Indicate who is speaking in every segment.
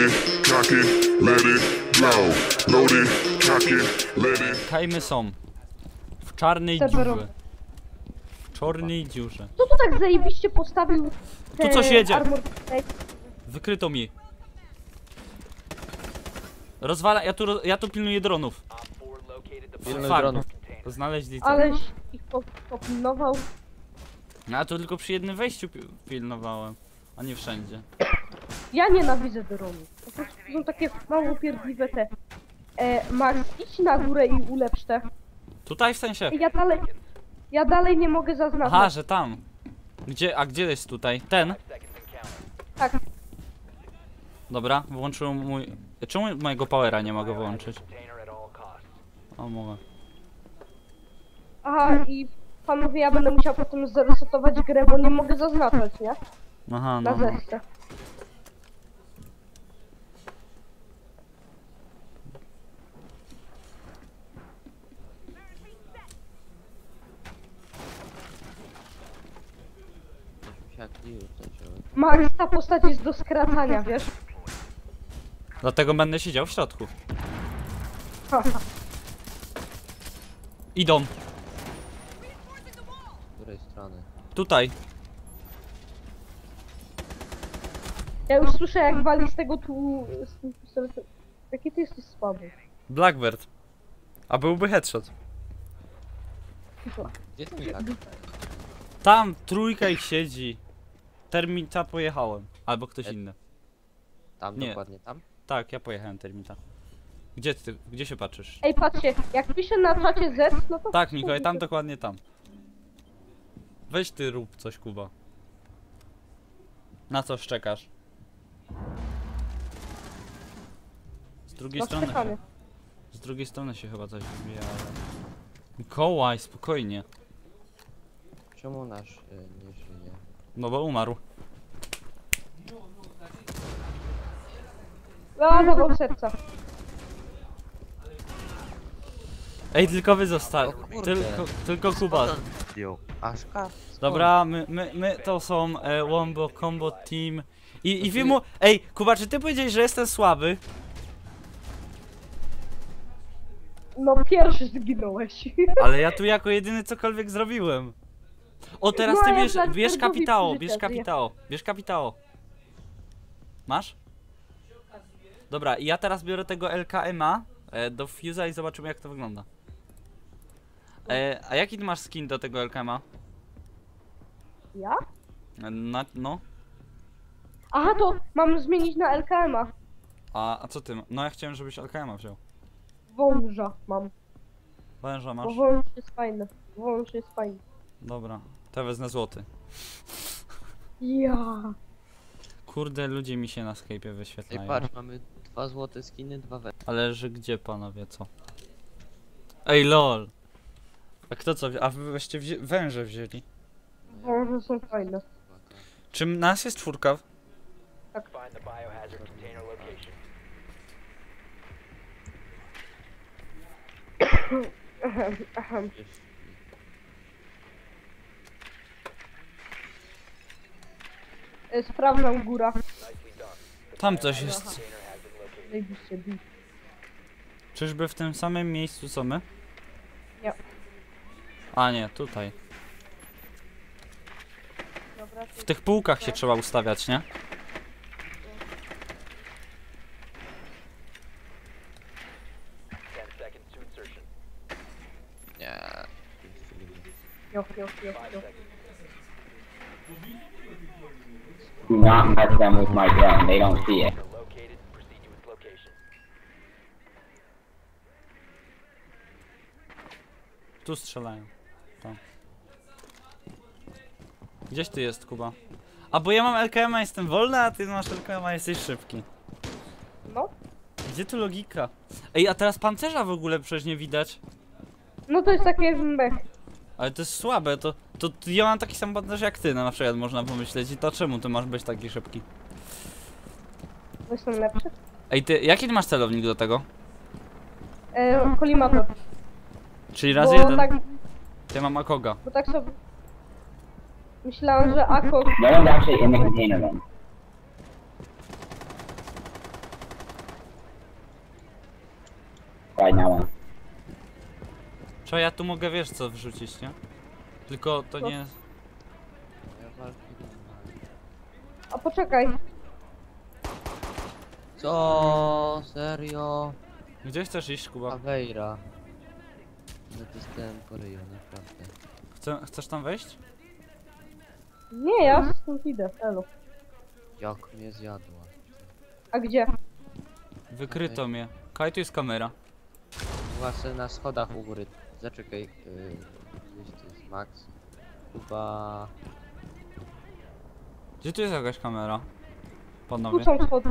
Speaker 1: it, cock it, let it blow. Load it, cock it, let it.
Speaker 2: Kajmy są. W czarnej dziurze. W czarnej dziurze.
Speaker 3: Kto tu tak zajebiście postawił te
Speaker 2: Tu coś jedzie.
Speaker 3: armor...
Speaker 2: Wykryto mi. Rozwala, ja tu pilnuję dronów.
Speaker 4: Pilnuj
Speaker 2: Fuck.
Speaker 4: dronów.
Speaker 2: Znaleźli co?
Speaker 3: Aleś ich popilnował.
Speaker 2: No, ja tu tylko przy jednym wejściu pilnowałem, a nie wszędzie.
Speaker 3: Ja nienawidzę dronów. Po prostu są takie mało pierdliwe te. Max, idź na górę i ulepsz te.
Speaker 2: Tutaj w sensie?
Speaker 3: Ja dalej nie mogę zaznaczyć.
Speaker 2: Aha, że tam. A gdzie jest tutaj? Ten?
Speaker 3: Tak.
Speaker 2: Dobra, włączyłem mój... Czemu mojego powera nie mogę wyłączyć? O, mogę.
Speaker 3: Aha, i panowie, ja będę musiał potem zresetować grę, bo nie mogę zaznaczać, nie?
Speaker 2: Aha,
Speaker 3: Na
Speaker 2: no.
Speaker 3: zeszcze. Max, ta postać jest do skracania, wiesz?
Speaker 2: Dlatego będę siedział w środku.
Speaker 3: Haha.
Speaker 2: Idą.
Speaker 4: Z której strony?
Speaker 2: Tutaj.
Speaker 3: Ja już słyszę, jak wali z tego tu... Jaki ty jesteś słaby.
Speaker 2: Blackbird. A byłby headshot.
Speaker 4: Gdzie ten jak?
Speaker 2: Tam trójka ich siedzi. Termita pojechałem. Albo ktoś inny.
Speaker 4: Tam,
Speaker 2: Nie.
Speaker 4: dokładnie tam?
Speaker 2: Tak, ja pojechałem termita. Gdzie się patrzysz?
Speaker 3: Ej, patrzcie, jak piszę na czacie Z, no to...
Speaker 2: Tak, Mikołaj, tam dokładnie tam. Weź ty rób coś, Kuba. Na co szczekasz? Z drugiej
Speaker 3: No,
Speaker 2: strony.
Speaker 3: czekamy.
Speaker 2: Z drugiej strony się chyba coś wybija, ale... Mikołaj, spokojnie.
Speaker 4: Czemu nasz nie żyje?
Speaker 2: No bo umarł.
Speaker 3: A, zawał serca.
Speaker 2: Ej, tylko wy zostali.
Speaker 4: O kurde.
Speaker 2: Tylko Kuba.
Speaker 4: Zdjął. Aszka?
Speaker 2: Dobra, my to są Wombo Combo Team. I wy mu... Ej, Kuba, czy ty powiedziałeś, że jestem słaby?
Speaker 3: No, pierwszy zginąłeś.
Speaker 2: Ale ja tu jako jedyny cokolwiek zrobiłem. O, teraz
Speaker 3: No,
Speaker 2: ty
Speaker 3: ja
Speaker 2: bierz,
Speaker 3: tak
Speaker 2: bierz
Speaker 3: bardzo
Speaker 2: kapitało,
Speaker 3: mi
Speaker 2: bierz
Speaker 3: życzę,
Speaker 2: kapitało, bierz kapitało. Masz? Dobra, i ja teraz biorę tego LKM-a do fuse'a i zobaczymy, jak to wygląda. A jaki ty masz skin do tego LKM-a?
Speaker 3: Ja?
Speaker 2: No.
Speaker 3: Aha, to mam zmienić na LKM-a.
Speaker 2: A co ty? No ja chciałem, żebyś LKM-a wziął.
Speaker 3: Wąża mam.
Speaker 2: Węża
Speaker 3: Bo
Speaker 2: masz?
Speaker 3: wąż jest fajny. Wąż jest fajny.
Speaker 2: Dobra, to wezmę złoty.
Speaker 3: Ja.
Speaker 2: Kurde, ludzie mi się na Skype'ie
Speaker 4: Ej,
Speaker 2: wyświetlają.
Speaker 4: patrz, mamy 2 złote skiny, 2 we.
Speaker 2: Ale że gdzie, panowie, co? Ej, lol! A kto co? A wy weźcie węże wzięli.
Speaker 3: Wąże są fajne.
Speaker 2: Czym nas jest czwórka?
Speaker 3: Sprawdzam góra.
Speaker 2: Tam coś jest.
Speaker 3: Zajebiście bij.
Speaker 2: Czyżby w tym samym miejscu co my?
Speaker 3: Nie.
Speaker 2: A nie, tutaj.
Speaker 3: Dobra,
Speaker 2: W tych półkach się trzeba ustawiać, nie?
Speaker 4: Nie.
Speaker 3: jo.
Speaker 5: Do not mess them with my gun. They don't see it.
Speaker 2: Tu strzelają. Tam. Gdzieś ty jest, Kuba? A bo ja mam LKM-a, jestem wolny, a ty masz LKM-a, jesteś szybki.
Speaker 3: No.
Speaker 2: Gdzie tu logika? Ej, a teraz pancerza w ogóle przecież nie widać.
Speaker 3: No to jest takie mech.
Speaker 2: Ale to jest słabe, to ja mam taki sam pancerz jak ty, no, na przykład można pomyśleć. I to czemu ty masz być taki szybki?
Speaker 3: Bo jestem lepszy.
Speaker 2: Ej, jaki ty masz celownik do tego?
Speaker 3: Kolimator.
Speaker 2: Czyli razy jeden.
Speaker 3: Tak,
Speaker 2: Ja mam Akoga.
Speaker 3: bo tak sobie... Myślałam, że Ako...
Speaker 5: No one's actually in the container then. right now on.
Speaker 2: Czy ja tu mogę, wiesz co, wrzucić, nie? Tylko to
Speaker 3: Co?
Speaker 2: nie...
Speaker 4: Ja walki nie ma.
Speaker 3: A poczekaj.
Speaker 4: Co? Serio?
Speaker 2: Gdzie chcesz iść, Kuba?
Speaker 4: Aveira. No dostałem po ryju, naprawdę.
Speaker 2: Chcesz tam wejść?
Speaker 3: Nie, ja stąd idę, elo.
Speaker 4: Jak mnie zjadła.
Speaker 3: A gdzie?
Speaker 2: Wykryto mnie. Kaj, tu jest kamera.
Speaker 4: Właśnie na schodach u góry. Zaczekaj. Gdzieś tu jest Max. Chyba...
Speaker 2: Gdzie tu jest jakaś kamera?
Speaker 3: Tu
Speaker 2: Panowie.
Speaker 3: są schody.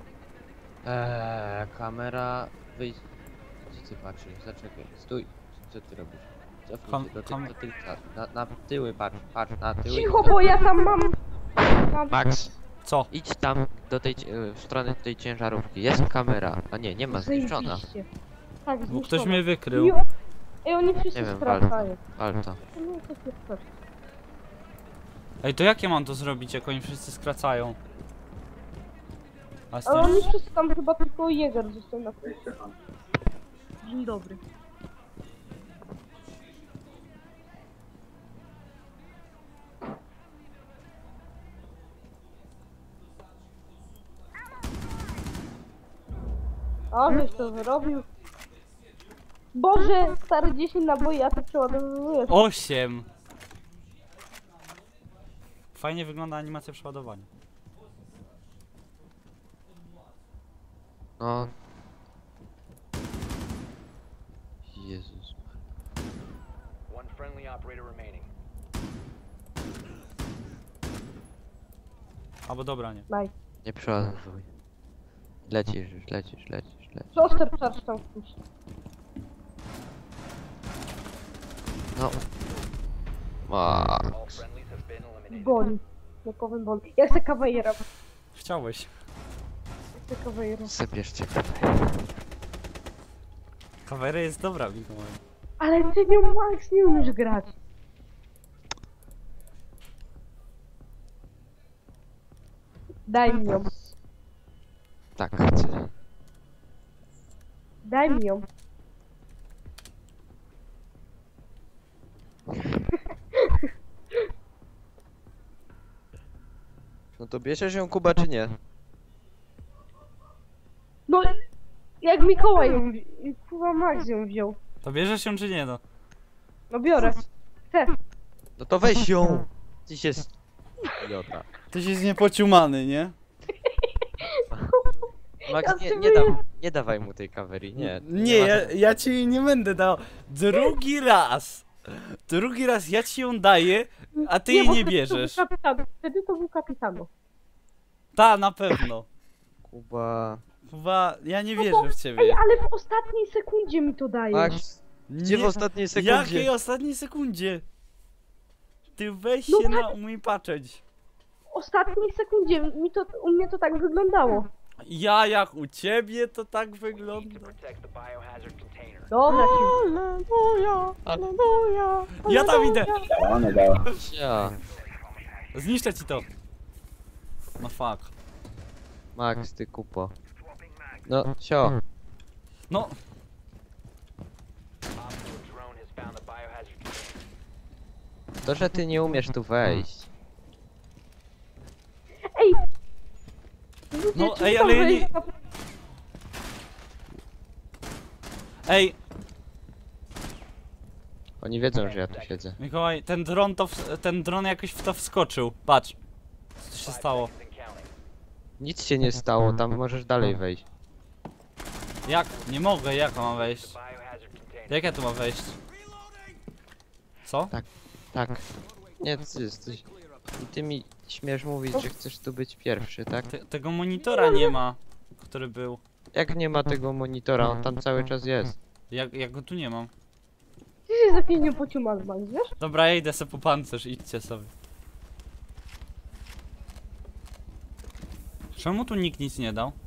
Speaker 4: Kamera... Wyjdź. Gdzie ty patrzysz? Zaczekaj. Stój. Co ty robisz? Cofnij się do tylca. Na tyły patrz. Patrz na tyły.
Speaker 3: Cicho, bo ja tam mam...
Speaker 4: Max.
Speaker 2: Co?
Speaker 4: Idź tam do tej w stronę tej ciężarówki. Jest kamera. A nie, nie ma zniszczona.
Speaker 3: Zajebiście. Tak,
Speaker 2: Bo ktoś
Speaker 3: zniszczona.
Speaker 2: mnie wykrył.
Speaker 3: Ej, oni wszyscy
Speaker 4: Nie wiem,
Speaker 3: skracają.
Speaker 4: Wal to.
Speaker 3: Nie, to jest tak.
Speaker 2: Ej, to jak ja mam to zrobić, jak oni wszyscy skracają? A z
Speaker 3: Ale
Speaker 2: tym...
Speaker 3: oni wszyscy tam chyba tylko Jäger został na końcu. Dzień dobry. A, żeś to wyrobił. Boże, stary 10 naboi, a ty przeładowujesz.
Speaker 2: 8! Fajnie wygląda animacja przeładowania.
Speaker 4: No. Jezus.
Speaker 6: One friendly operator remaining.
Speaker 2: Albo dobra, nie.
Speaker 3: Naj.
Speaker 4: Nie przeładowuj. Lecisz już, lecisz.
Speaker 3: Proster charge tam wpuść.
Speaker 4: No. A,
Speaker 6: All friendlies have been eliminated.
Speaker 3: Boli. Nie powiem boli. Ja chcę kawajera.
Speaker 2: Chciałeś.
Speaker 3: Chcę kawajera.
Speaker 4: zabierzcie.
Speaker 2: Kawera jest dobra, Mikołaj.
Speaker 3: Ale ty nią Max nie umiesz grać. Daj mi ją.
Speaker 4: Tak, chcę.
Speaker 3: Daj mi ją.
Speaker 4: No to bierzesz ją, Kuba, czy nie?
Speaker 3: No, jak Mikołaj ją Kurwa Max ją wziął.
Speaker 2: To bierzesz się czy nie, no?
Speaker 3: No biorę. Chcę.
Speaker 4: No to weź ją! Dziś jest... Idiota.
Speaker 2: Tyś jest niepociumany, nie?
Speaker 4: Max,
Speaker 3: Ja
Speaker 4: nie,
Speaker 3: sobie-
Speaker 4: nie dawaj mu tej kawery, nie.
Speaker 2: Nie,
Speaker 4: ma
Speaker 2: ja ci jej nie będę dał. Drugi raz! Drugi raz ja ci ją daję, a ty jej
Speaker 3: bo
Speaker 2: nie
Speaker 3: wtedy to był
Speaker 2: bierzesz.
Speaker 3: kapitan. Wtedy to był kapitano.
Speaker 2: Ta, na pewno.
Speaker 4: Kuba...
Speaker 2: Chyba ja nie
Speaker 3: No
Speaker 2: wierzę w
Speaker 3: Ej,
Speaker 2: ciebie.
Speaker 3: ale w ostatniej sekundzie mi to dajesz.
Speaker 4: Max, gdzie w ostatniej sekundzie?
Speaker 2: Jakiej ostatniej sekundzie? Ty weź
Speaker 3: No
Speaker 2: się
Speaker 3: tak.
Speaker 2: na umie patrzeć.
Speaker 3: W ostatniej sekundzie u mnie to tak wyglądało.
Speaker 2: Ja jak u ciebie to tak
Speaker 6: To
Speaker 2: wygląda.
Speaker 6: protect the biohazard container.
Speaker 3: Dobra, ci.
Speaker 2: Ja tam idę!
Speaker 5: On to go.
Speaker 4: Ja.
Speaker 2: Zniszczę ci to. No fuck.
Speaker 4: Max, ty kupo. No, sio.
Speaker 2: No,
Speaker 6: Op 4 drone has found the biohazard container.
Speaker 4: To, że ty nie umiesz tu wejść.
Speaker 3: Ej!
Speaker 2: No,
Speaker 3: Czy
Speaker 2: ej,
Speaker 3: tam
Speaker 2: ale ja
Speaker 3: wejść
Speaker 2: nie-
Speaker 3: na-
Speaker 2: ej,
Speaker 4: Oni wiedzą, że ja tu siedzę.
Speaker 2: Mikołaj, ten dron jakoś w to wskoczył. Patrz. Co się stało?
Speaker 6: And counting.
Speaker 4: Nic się nie stało, tam możesz dalej wejść.
Speaker 2: Jak? Nie mogę, jak mam wejść?
Speaker 6: Biohazard container.
Speaker 2: Jak ja tu mam wejść? Co?
Speaker 4: Tak. Nie, ty jesteś... I ty mi śmiesz mówić, że chcesz tu być pierwszy, tak?
Speaker 2: Tego monitora nie ma, który był.
Speaker 4: Jak nie ma tego monitora, on tam cały czas jest.
Speaker 2: Jak go tu nie mam?
Speaker 3: Ty się za pieniądze pociumany, Max, wiesz?
Speaker 2: Dobra, ja idę sobie po pancerz, idźcie sobie. Czemu tu nikt nic nie dał?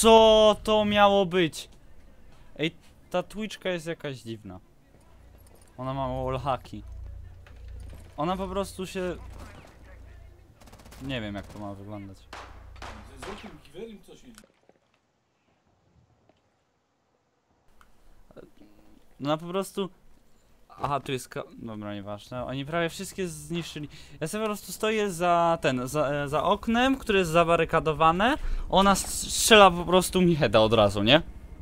Speaker 2: Co to miało być? Ej, ta Twitchka jest jakaś dziwna. Ona ma wallhacki. Ona po prostu się... Nie wiem jak to ma wyglądać.
Speaker 7: Z jakim giwerem co się...
Speaker 2: No po prostu... Aha, tu jest dobra, nieważne. Oni prawie wszystkie zniszczyli. Ja sobie po prostu stoję za za oknem, które jest zabarykadowane. Ona strzela po prostu mi heada od razu, nie?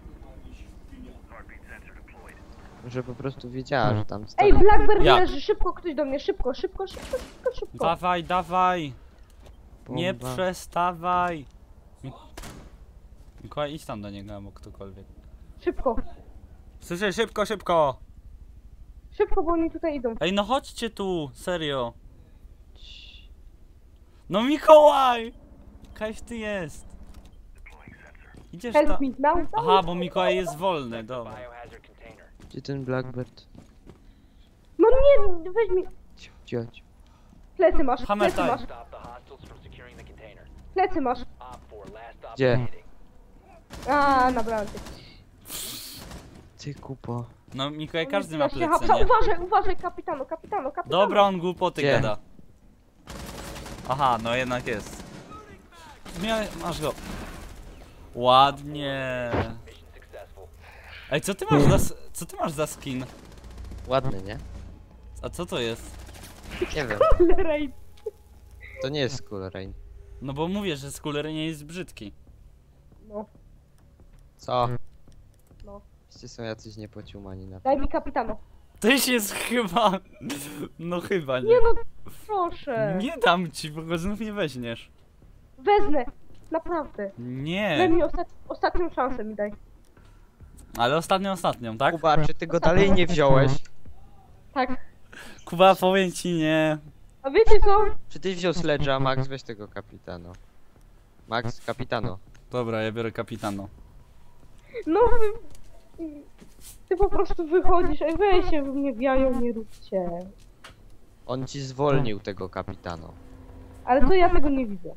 Speaker 4: Może po prostu wiedziała, że tam stoi.
Speaker 3: Ej, Blackbird
Speaker 2: Jak?
Speaker 3: leży, szybko ktoś do mnie, szybko.
Speaker 2: Dawaj, dawaj! Nie
Speaker 4: Bomba.
Speaker 2: przestawaj! Mikołaj, idź tam do niego, albo ktokolwiek.
Speaker 3: Szybko,
Speaker 2: Słyszę, szybko, szybko!
Speaker 3: szybko, bo oni tutaj idą.
Speaker 2: Ej, no chodźcie tu, serio. No Mikołaj! Kajf ty jest. Idziesz
Speaker 3: Help
Speaker 2: tam.
Speaker 3: me now.
Speaker 2: Aha, bo Mikołaj jest wolny, dobra.
Speaker 6: Biohazard container.
Speaker 4: Gdzie ten Blackbird?
Speaker 3: No nie, weź mi.
Speaker 4: Cicho.
Speaker 3: Plecy masz,
Speaker 2: Hammer
Speaker 3: plecy
Speaker 2: time.
Speaker 3: masz,
Speaker 6: Stop the hostiles from securing the container.
Speaker 3: plecy masz.
Speaker 6: Op 4, last stop
Speaker 4: Gdzie?
Speaker 6: standing.
Speaker 3: A, nabrałem cię.
Speaker 4: Ty kupo.
Speaker 2: No Mikołaj, każdy ma
Speaker 3: Ja się
Speaker 2: plecy,
Speaker 3: hapsa.
Speaker 2: nie?
Speaker 3: Uważaj, kapitano.
Speaker 2: Dobra, on głupoty
Speaker 4: Gdzie?
Speaker 2: gada. Aha, no jednak jest. Masz go. Ładnie.
Speaker 6: Mission successful.
Speaker 2: Ej, co ty masz za skin?
Speaker 4: Ładny, nie?
Speaker 2: A co to jest?
Speaker 4: Nie wiem.
Speaker 3: Raid.
Speaker 4: To nie jest Skull Rain.
Speaker 2: No bo mówię, że skuler nie jest brzydki.
Speaker 3: No,
Speaker 4: Co?
Speaker 3: No.
Speaker 4: Wszyscy są jacyś niepociumani na to.
Speaker 3: daj mi kapitano.
Speaker 2: Tyś jest chyba... No chyba nie.
Speaker 3: Nie no, proszę.
Speaker 2: Nie dam ci, bo go znów nie weźmiesz.
Speaker 3: Wezmę. Naprawdę. Daj
Speaker 2: Nie.
Speaker 3: mi ostatnią szansę mi daj.
Speaker 2: Ale ostatnią, tak?
Speaker 4: Kuba, czy ty go dalej nie wziąłeś?
Speaker 3: Tak.
Speaker 2: Kuba, powiem ci nie.
Speaker 3: A wiecie co?
Speaker 4: Czy ty wziął Sledge'a, Max? Weź tego kapitano. Max, kapitano.
Speaker 2: Dobra, ja biorę kapitano.
Speaker 3: No ty po prostu wychodzisz, ej weź się, wy mnie wiają, nie róbcie.
Speaker 4: On ci zwolnił tego kapitano.
Speaker 3: Ale to ja tego nie widzę.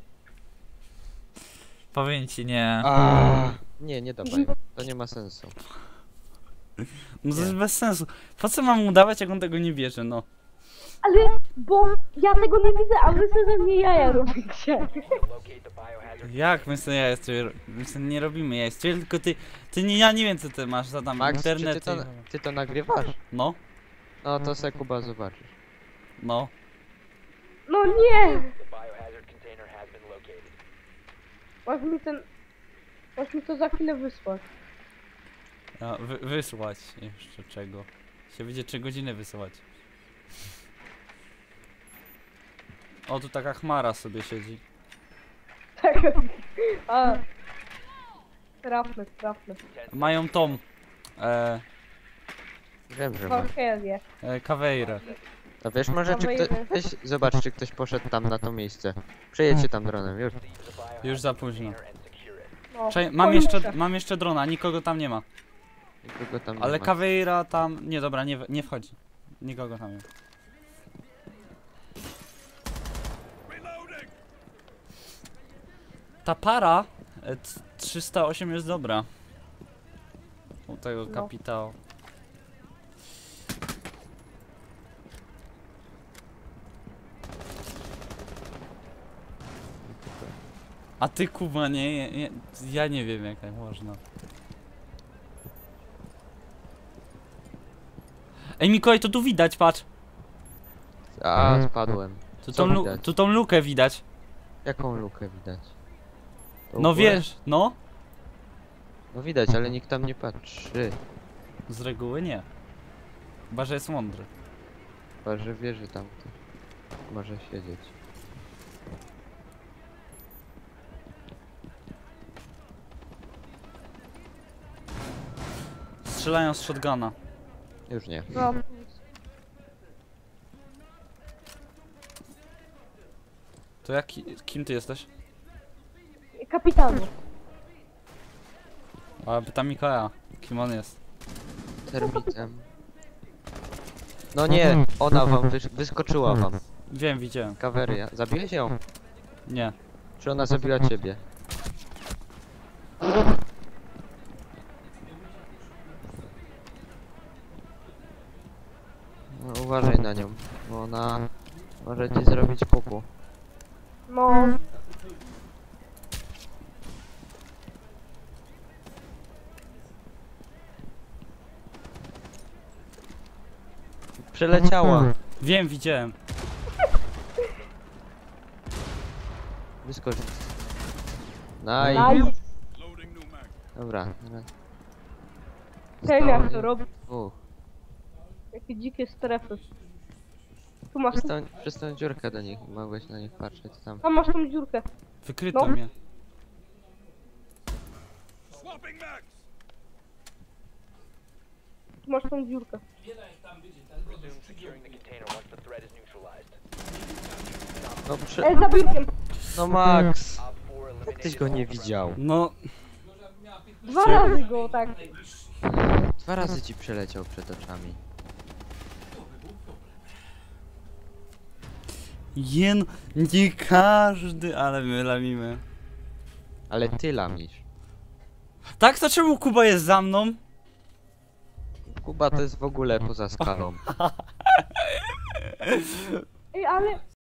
Speaker 2: Powiem ci nie.
Speaker 4: Nie dawaj. To nie ma sensu.
Speaker 2: No to jest bez sensu. Po co mam mu dawać, jak on tego nie bierze, no?
Speaker 3: Ale, bo ja tego nie widzę, a wy sobie ze mnie jaja robicie.
Speaker 6: Locate the biohazard.
Speaker 2: Jak my sobie nie robimy ja tylko ty nie, ja nie wiem co ty masz za tam
Speaker 4: Max,
Speaker 2: internet.
Speaker 4: czy ty to nagrywasz?
Speaker 2: No,
Speaker 4: No to se Kuba zobaczysz.
Speaker 2: no.
Speaker 3: No nie!
Speaker 6: The biohazard container has been located.
Speaker 3: Masz mi to za chwilę wysłać.
Speaker 2: A, wysłać jeszcze czego? Się będzie 3 godziny wysyłać. O, tu taka chmara sobie siedzi.
Speaker 3: Tak. A. Trafne.
Speaker 2: Mają tą
Speaker 4: Wiem, że ma.
Speaker 3: Walkerię.
Speaker 2: kaweirę.
Speaker 4: To wiesz, może czy ktoś... Weź zobacz, czy ktoś poszedł tam na to miejsce. Przejedźcie tam dronem, już.
Speaker 6: Seize the biohazard
Speaker 2: Już za późno.
Speaker 6: container and secure it.
Speaker 3: No,
Speaker 2: Czekaj,
Speaker 3: kończę.
Speaker 2: mam jeszcze drona, nikogo tam nie ma.
Speaker 4: Nikogo tam nie
Speaker 2: Ale
Speaker 4: ma.
Speaker 2: kaweira tam... Nie, dobra, nie wchodzi. Nikogo tam nie ma. Ta para 308 jest dobra. U tego
Speaker 3: No.
Speaker 2: kapitału. A ty Kuba, ja nie wiem jak tak można. Ej Mikołaj, to tu widać, patrz.
Speaker 4: A, spadłem. Co widać?
Speaker 2: Tu tą lukę widać.
Speaker 4: Jaką lukę widać? To
Speaker 2: No
Speaker 4: u góry?
Speaker 2: wiesz, no.
Speaker 4: No widać, ale nikt tam nie patrzy.
Speaker 2: Z reguły nie. Chyba, że jest mądry.
Speaker 4: Chyba, że wie, że tam ktoś może siedzieć.
Speaker 2: Strzelają z shotguna.
Speaker 4: Już nie.
Speaker 3: No.
Speaker 2: To kim ty jesteś?
Speaker 3: Kapitanu.
Speaker 2: A pytam Mikołaja, kim on jest.
Speaker 4: Termitem. No nie, ona wam wyskoczyła wam.
Speaker 2: Wiem, widziałem.
Speaker 4: Kaweria. Zabiłeś ją?
Speaker 2: Nie.
Speaker 4: Czy ona zabiła ciebie? na nią, bo ona może ci zrobić pupu.
Speaker 3: No,
Speaker 4: Przeleciała.
Speaker 2: Wiem, widziałem.
Speaker 4: Wyskocz.
Speaker 3: nice.
Speaker 4: Dobra, teraz.
Speaker 3: Wiem jak to robić. Jakie dzikie strefy. Tu masz,
Speaker 4: Przez tą dziurkę do nich, mogłeś na nich patrzeć tam.
Speaker 3: tam masz tą dziurkę.
Speaker 2: Wykryto
Speaker 3: No.
Speaker 2: mnie.
Speaker 3: Tu masz tą dziurkę.
Speaker 6: Resume securing the container once the threat is neutralized.
Speaker 4: No,
Speaker 3: Za biurkiem.
Speaker 4: no Max!
Speaker 6: Op 4
Speaker 4: Jak
Speaker 6: eliminated
Speaker 4: tyś go nie
Speaker 6: all
Speaker 4: widział?
Speaker 2: No,
Speaker 3: 2 razy go, tak.
Speaker 4: 2 razy ci przeleciał przed oczami.
Speaker 2: nie każdy, ale my lamimy.
Speaker 4: Ale ty lamisz.
Speaker 2: Tak, to czemu Kuba jest za mną?
Speaker 4: Kuba to jest w ogóle poza skalą.
Speaker 3: Ej, ale